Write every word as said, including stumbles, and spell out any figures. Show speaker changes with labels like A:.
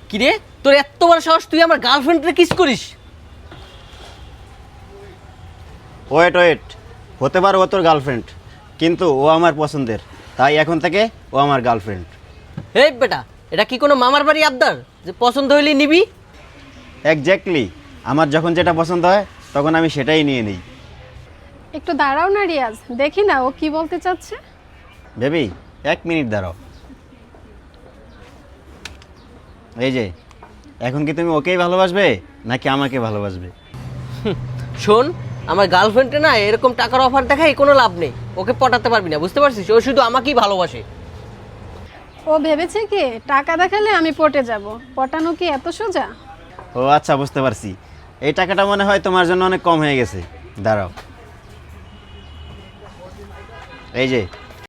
A: কি রে, তোর এত বড় সাহস, তুই আমার গার্লফ্রেন্ডকে কিস করিস?
B: ওয়েট ওয়েট হতে পারে ও তোর গার্লফ্রেন্ড, কিন্তু ও আমার পছন্দের, তাই এখন থেকে ও আমার গার্লফ্রেন্ড।
A: এই বেটা, এটা কি কোনো মামার বাড়ি আবদার যে পছন্দ হইলে নিবি?
B: এক্স্যাক্টলি, আমার যখন যেটা পছন্দ হয় তখন আমি সেটাই নিয়ে নিই।
C: একটু দাঁড়াও না রিয়াজ, দেখি না ও কি বলতে চাচ্ছে।
B: বেবি এক মিনিট দাঁড়াও। এই যে, এখন কি তুমি ওকেই ভালোবাসবে নাকি আমাকে ভালোবাসবে?
A: শোন, আমার গার্লফ্রেন্ডে না এরকম টাকার অফার দেখায় কোনো লাভ নেই, ওকে পটাতে পারবি না, বুঝতে পারছিস? ও শুধু আমাকেই ভালোবাসে।
C: ও ভেবেছে কি টাকা দেখালে আমি পটে যাব? পটানো কি এত সোজা?
B: ও আচ্ছা, বুঝতে পারছি। এই টাকাটা মনে হয় তোমার জন্য অনেক কম হয়ে গেছে। দাঁড়াও, এই যে